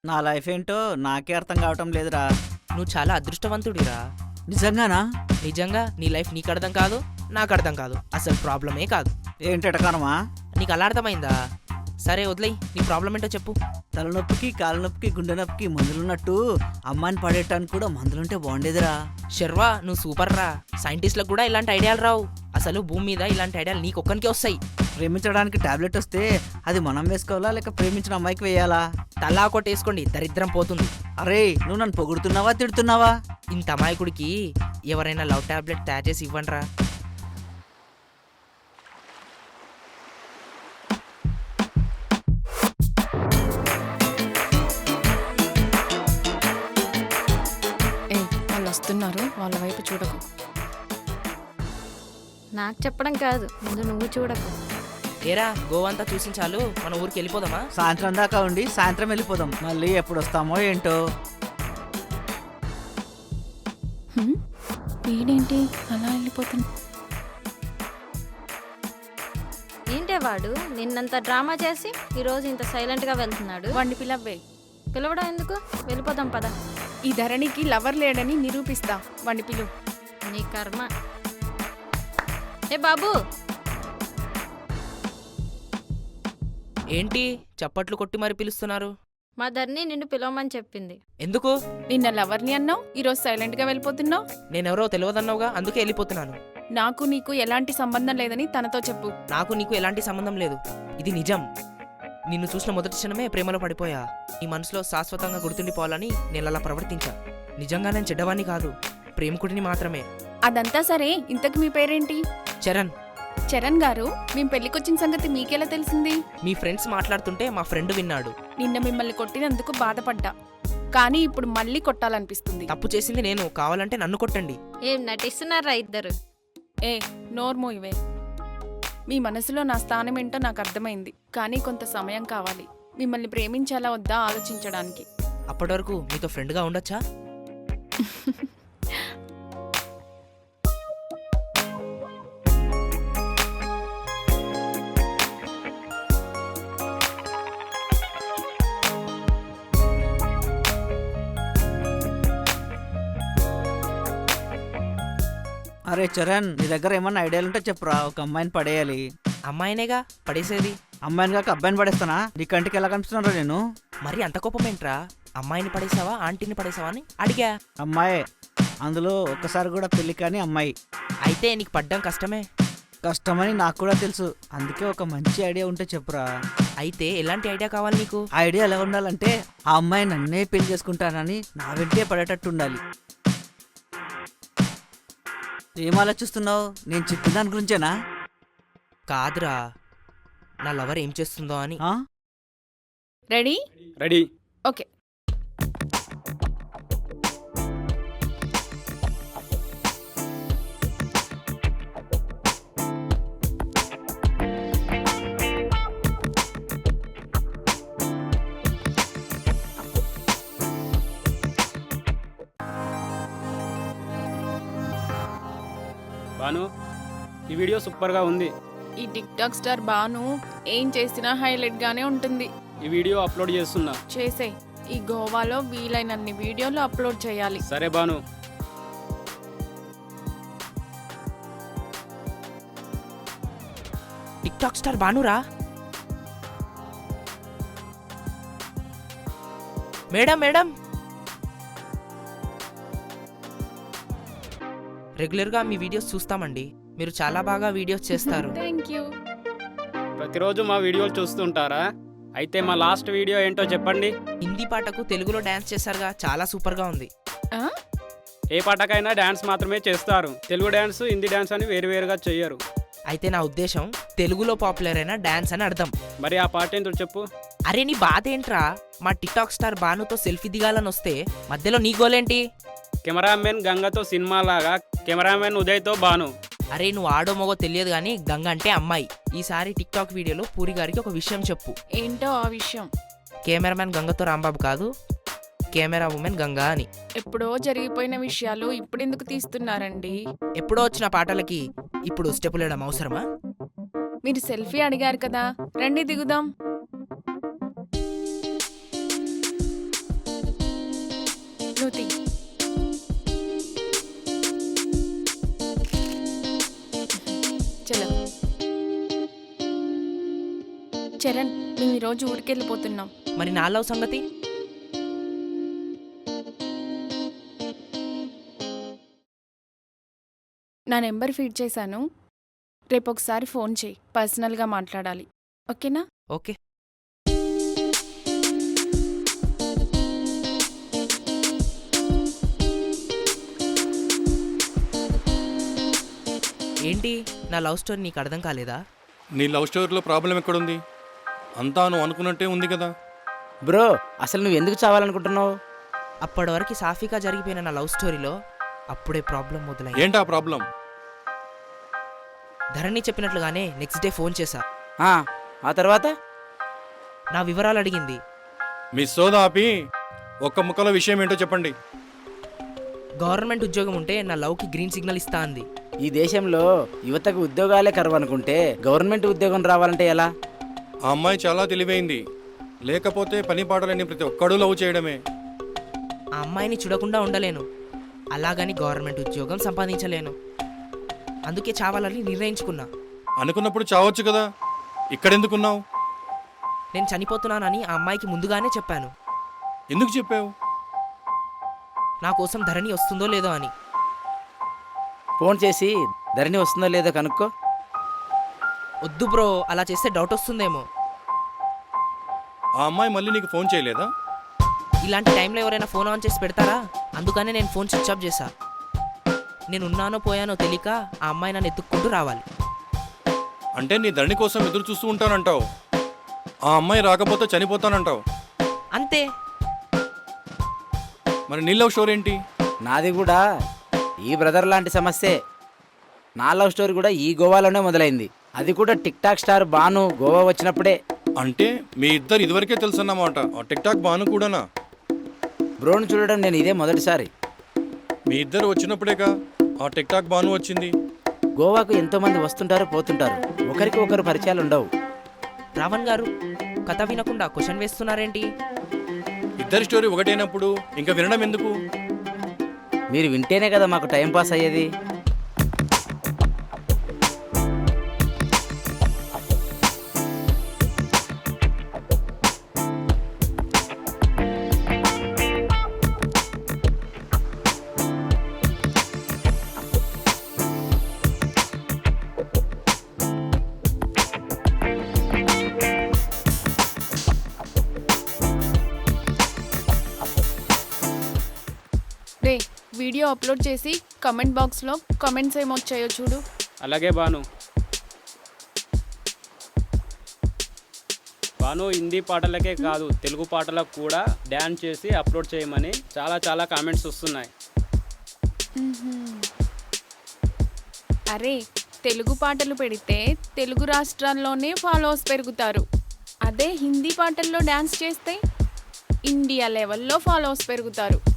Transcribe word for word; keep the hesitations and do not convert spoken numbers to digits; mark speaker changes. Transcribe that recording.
Speaker 1: నా లైఫ్ ఏంటో నాకే అర్థం కావటం లేదురా.
Speaker 2: నువ్వు చాలా అదృష్టవంతుడిరా.
Speaker 1: నిజంగానా?
Speaker 2: నిజంగా నీ లైఫ్ నీకు అర్థం కాదు, నాకు అర్థం కాదు. అసలు ప్రాబ్లమే కాదు.
Speaker 1: ఏంటి ఎటకారమా?
Speaker 2: నీకు అలా అర్థమైందా? సరే వదిలేయ్, నీ ప్రాబ్లం ఏంటో చెప్పు.
Speaker 1: తలనొప్పికి కాళ్ళ నొప్పికి గుండె నొప్పికి మందులున్నట్టు అమ్మాయిని పడేయటానికి కూడా మందులుంటే బాగుండేదిరా.
Speaker 2: శర్వా, నువ్వు సూపర్ రా. సైంటిస్టులకు కూడా ఇలాంటి ఐడియాలు రావు. అసలు భూమి మీద ఇలాంటి ఐడియాలు నీకు ఒక్కనికే వస్తాయి.
Speaker 1: ప్రేమించడానికి టాబ్లెట్ వస్తే అది మనం వేసుకోవాలా లేక ప్రేమించిన అమ్మాయికి వేయాలా?
Speaker 2: తలా కొట్టేసుకోండి, దరిద్రం పోతుంది.
Speaker 1: అరే, నువ్వు నన్ను పొగుడుతున్నావా తిడుతున్నావా?
Speaker 2: ఇంత అమాయకుడికి ఎవరైనా లవ్ టాబ్లెట్ తయారు చేసి ఇవ్వండి రా.
Speaker 3: వస్తున్నారు, వాళ్ళ వైపు చూడకు.
Speaker 4: నాకు చెప్పడం కాదు, ముందు నువ్వు చూడకు.
Speaker 2: ఏరా, గోవంతా చూసిన చాలు, మన ఊరికి వెళ్ళిపోదామా?
Speaker 1: సాయంత్రం దాకా ఉండి సాయంత్రం వెళ్ళిపోదాం. మళ్ళీ ఎప్పుడు వస్తామో ఏంటో.
Speaker 3: వీడేంటి అలా వెళ్ళిపోతుంది?
Speaker 4: ఏంటే వాడు నిన్నంత డ్రామా చేసి ఈరోజు ఇంత సైలెంట్గా వెళ్తున్నాడు.
Speaker 3: వాడిని పిలవ్వే.
Speaker 4: పిలవడం ఎందుకు? వెళ్ళిపోదాం పద.
Speaker 3: ఈ ధరణికి లవర్ లేడని నిరూపిస్తా. వాడిని పిలు.
Speaker 4: నీ కర్మ. ఏ బాబు,
Speaker 2: ఏంటి చప్పట్లు కొట్టి మరి పిలుస్తున్నారు?
Speaker 4: మా ధరణి నిన్ను పిలవమని చెప్పింది.
Speaker 2: ఎందుకు?
Speaker 3: నిన్న లవర్ని అన్నావు, ఈరోజు సైలెంట్ గా వెళ్ళిపోతున్నావు.
Speaker 2: నేనెవరో తెలియదన్నావుగా, అందుకే వెళ్ళిపోతున్నాను.
Speaker 3: నాకు నీకు ఎలాంటి సంబంధం లేదని తనతో చెప్పు.
Speaker 2: నాకు నీకు ఎలాంటి సంబంధం లేదు, ఇది నిజం. నిన్ను చూసిన మొదటి క్షణమే ప్రేమలో పడిపోయా. ఈ మనసులో శాశ్వతంగా గుర్తుండిపోవాలని నేను అలా ప్రవర్తించా. నిజంగా నేను చెడ్డవాణ్ణి కాదు, ప్రేమికుడిని మాత్రమే.
Speaker 3: అదంతా సరే, ఇంతకు మీ పేరేంటి?
Speaker 2: చరణ్.
Speaker 3: చరణ్ గారు, మేం పెళ్లికొచ్చిన సంగతి మీకెలా తెలిసింది?
Speaker 2: మీ ఫ్రెండ్స్ మాట్లాడుతుంటే మా ఫ్రెండ్ విన్నాడు.
Speaker 3: నిన్న మిమ్మల్ని కొట్టినందుకు బాధపడ్డా, కానీ ఇప్పుడు మళ్ళీ కొట్టాలనిపిస్తుంది.
Speaker 2: తప్పు చేసింది నేను, కావాలంటే నన్ను కొట్టండి.
Speaker 4: ఏం నటిస్తున్నారా ఇద్దరు?
Speaker 3: ఏ నోర్మో ఇవే. మీ మనసులో నా స్థానం ఏంటో నాకు అర్థమైంది, కానీ కొంత సమయం కావాలి మిమ్మల్ని ప్రేమించాలా వద్దా ఆలోచించడానికి.
Speaker 2: అప్పటి వరకు మీతో ఫ్రెండ్గా ఉండొచ్చా?
Speaker 1: అరే చరణ్, నీ దగ్గర ఏమన్నా ఐడియాలు ఉంటే చెప్పురా. ఒక అమ్మాయిని పడేయాలి.
Speaker 2: అమ్మాయినేగా పడేసేది.
Speaker 1: అమ్మాయిని కాక అబ్బాయిని పడేస్తానా? నీ కంటికి ఎలా కనిపిస్తున్నారా నేను?
Speaker 2: మరి అంత కోపమేంట్రా? అమ్మాయిని పడేసావా ఆంటీని పడేసావా అని అడిగా.
Speaker 1: అమ్మాయే, అందులో ఒక్కసారి కూడా పెళ్లి కాని అమ్మాయి.
Speaker 2: అయితే నీకు పడ్డం కష్టమే.
Speaker 1: కష్టమని నాకు కూడా తెలుసు, అందుకే ఒక మంచి ఐడియా ఉంటే చెప్పురా.
Speaker 2: అయితే ఎలాంటి ఐడియా కావాలి నీకు?
Speaker 1: ఐడియా ఎలా ఉండాలంటే ఆ అమ్మాయి నన్నే పెళ్లి చేసుకుంటానని నా వెంటే పడేటట్టు ఉండాలి. ఏం ఆలోచిస్తున్నావు? నేను చెప్పిన దాని గురించేనా?
Speaker 2: కాదురా, నా లవర్ ఏం చేస్తుందో అని.
Speaker 1: ఆ?
Speaker 3: రెడీ?
Speaker 5: రెడీ.
Speaker 3: ఓకే.
Speaker 5: బాను, ఈ వీడియో సూపర్గా ఉంది.
Speaker 3: ఈ టిక్ టాక్ స్టార్ బాను ఏం చేసినా హైలైట్ గానే ఉంటుంది.
Speaker 5: ఈ వీడియో అప్లోడ్ చేస్తున్నా.
Speaker 3: చేసే. ఈ గోవాలో వీలైనన్ని వీడియోలు అప్లోడ్ చేయాలి.
Speaker 5: సరే బాను.
Speaker 2: టిక్ టాక్ స్టార్ బానురా. మేడం మేడం రెగ్యులర్గా మీ వీడియోస్ చూస్తామండి. మీరు చాలా బాగా వీడియోస్ చేస్తారు.
Speaker 3: Thank you.
Speaker 5: ప్రతిరోజు మా వీడియోలు చూస్తుంటారా? అయితే మా లాస్ట్ వీడియో ఏంటో చెప్పండి.
Speaker 2: హిందీ పాటకు తెలుగులో డాన్స్ చేశారుగా, చాలా సూపర్గా ఉంది.
Speaker 3: ఆ?
Speaker 5: ఏ పాటకైనా డాన్స్ మాత్రమే చేస్తారు, తెలుగు డాన్స్ హిందీ డాన్స్ అని వేరువేరుగా చెయ్యరు.
Speaker 2: అయితే నా ఉద్దేశం తెలుగులో పాపులర్ అయిన డాన్స్ అని అర్థం.
Speaker 5: మరి ఆ పాట ఏంటో చెప్పు.
Speaker 2: అరే నీ బాధ ఏంట్రా? మా టిక్ టాక్ స్టార్ బానుతో సెల్ఫీ దిగాలని వస్తే మధ్యలో నీ గోలేంటి?
Speaker 5: కెమెరామెన్ గంగతో సినిమా లాగా కెమెరామెన్ ఉదయ్తో బాను.
Speaker 2: అరే నువ్వు ఆడో మగో తెలియదు కానీ గంగ అంటే అమ్మాయి. ఈసారి టిక్ టాక్ వీడియోలో పూరి గారికి ఒక విషయం చెప్పు.
Speaker 3: ఏంటో ఆ విషయం?
Speaker 2: కెమెరామెన్ గంగతో రాంబాబు కాదు, కెమెరా ఉమెన్ గంగా అని.
Speaker 3: ఎప్పుడో జరిగిపోయిన విషయాలు ఇప్పుడెందుకు తీస్తున్నారండి?
Speaker 2: ఎప్పుడో వచ్చిన పాటలకి ఇప్పుడు స్టెప్పులు వేయడం అవసరమా?
Speaker 3: మీరు సెల్ఫీ అడిగారు కదా, రండి దిగుదాం. నువ్వు తీ. చలో చరణ్, మేము ఈరోజు ఊరికెళ్ళిపోతున్నాం.
Speaker 2: మరి నా లవ్ సంగతి?
Speaker 3: నా నెంబర్ ఫీడ్ చేశాను, రేపు ఒకసారి ఫోన్ చేయి, పర్సనల్గా మాట్లాడాలి. ఓకేనా?
Speaker 2: ఓకే. ఏంటి నా లవ్ స్టోరీ నీకు అర్థం కాలేదా?
Speaker 6: నీ లవ్ స్టోరీలో ప్రాబ్లం ఎక్కడుంది? అంతా నువ్వు అనుకున్నట్టే ఉంది కదా.
Speaker 1: బ్రో, అసలు నువ్వు ఎందుకు చావాలనుకుంటున్నావు?
Speaker 2: అప్పటి వరకు సాఫీగా జరిగిపోయిన నా లవ్ స్టోరీలో అప్పుడే ప్రాబ్లం మొదలైంది.
Speaker 6: ఏంటా ప్రాబ్లం?
Speaker 2: ధరణి చెప్పినట్లుగానే నెక్స్ట్ డే ఫోన్ చేశా.
Speaker 1: ఆ, ఆ తర్వాత
Speaker 2: నా వివరాలు అడిగింది.
Speaker 6: మీ సోదా ఆపి ఒక్క ముక్కలో విషయం ఏంటో చెప్పండి.
Speaker 2: గవర్నమెంట్ ఉద్యోగం ఉంటే నా లవ్కి గ్రీన్ సిగ్నల్ ఇస్తా అంది.
Speaker 1: ఈ దేశంలో యువతకు ఉద్యోగాలే కరువు అనుకుంటే గవర్నమెంట్ ఉద్యోగం రావాలంటే ఎలా?
Speaker 6: ఆ అమ్మాయి చాలా తెలివైంది, లేకపోతే పని పాటలేని ప్రతి ఒక్కడూ లవ్ చేయడమే.
Speaker 2: ఆ అమ్మాయిని చూడకుండా ఉండలేను, అలాగని గవర్నమెంట్ ఉద్యోగం సంపాదించలేను. అందుకే చావాలని నిర్ణయించుకున్నా.
Speaker 6: అనుకున్నప్పుడు చావచ్చు కదా, ఇక్కడెందుకున్నావు?
Speaker 2: నేను చనిపోతున్నానని ఆ అమ్మాయికి ముందుగానే చెప్పాను.
Speaker 6: ఎందుకు చెప్పావు?
Speaker 2: నా కోసం ధరణి వస్తుందో లేదో అని.
Speaker 1: ఫోన్ చేసి ధరణి వస్తుందో లేదో కనుక్కో.
Speaker 2: వద్దు బ్రో, అలా చేస్తే డౌట్ వస్తుందేమో.
Speaker 6: ఆ అమ్మాయి మళ్ళీ నీకు ఫోన్ చేయలేదా?
Speaker 2: ఇలాంటి టైంలో ఎవరైనా ఫోన్ ఆన్ చేసి పెడతారా? అందుకనే నేను ఫోన్ స్విచ్ ఆఫ్ చేశా. నేను ఉన్నానో పోయానో తెలియక ఆ అమ్మాయి నన్ను ఎత్తుక్కుంటూ రావాలి.
Speaker 6: అంటే నీ ధరణి కోసం ఎదురు చూస్తూ ఉంటానంటావు, ఆ అమ్మాయి రాకపోతే చనిపోతానంటావు.
Speaker 2: అంతే.
Speaker 6: మరి నీ లవ్ స్టోరీ ఏంటి?
Speaker 1: నాది కూడా ఈ బ్రదర్ లాంటి సమస్యే. నా లవ్ స్టోరీ కూడా ఈ గోవాలోనే మొదలైంది. అది కూడా tik tok star Banu Goa వచ్చినప్పుడే.
Speaker 6: అంటే మీ ఇద్దరు ఇదివరకే తెలుసన్నమాట. ఆ టిక్ టాక్ బాను కూడానా?
Speaker 1: బ్రోను చూడడం నేను ఇదే మొదటిసారి.
Speaker 6: మీ ఇద్దరు వచ్చినప్పుడేగా ఆ టిక్ టాక్ బాను వచ్చింది.
Speaker 1: గోవాకు ఎంతో మంది వస్తుంటారు పోతుంటారు, ఒకరికి ఒకరు పరిచయాలు ఉండవు.
Speaker 2: రావణ్ గారు, కథ వినకుండా క్వశ్చన్ వేస్తున్నారేంటి?
Speaker 6: ఇద్దరి స్టోరీ ఒకటైనప్పుడు ఇంకా వినడం ఎందుకు?
Speaker 1: మీరు వింటేనే కదా మాకు టైం పాస్ అయ్యేది.
Speaker 3: రే, వీడియో అప్లోడ్ చేసి కమెంట్ బాక్స్లో కమెంట్స్ ఏమొచ్చాయో చూడు.
Speaker 5: అలాగే బాను. బాను హిందీ పాటలకే కాదు తెలుగు పాటలకు కూడా డ్యాన్స్ చేసి అప్లోడ్ చేయమని చాలా చాలా కామెంట్స్ వస్తున్నాయి.
Speaker 3: అరే, తెలుగు పాటలు పెడితే తెలుగు రాష్ట్రాల్లోనే ఫాలోవర్స్ పెరుగుతారు. అదే హిందీ పాటల్లో డ్యాన్స్ చేస్తే ఇండియా లెవెల్లో ఫాలోవర్స్ పెరుగుతారు.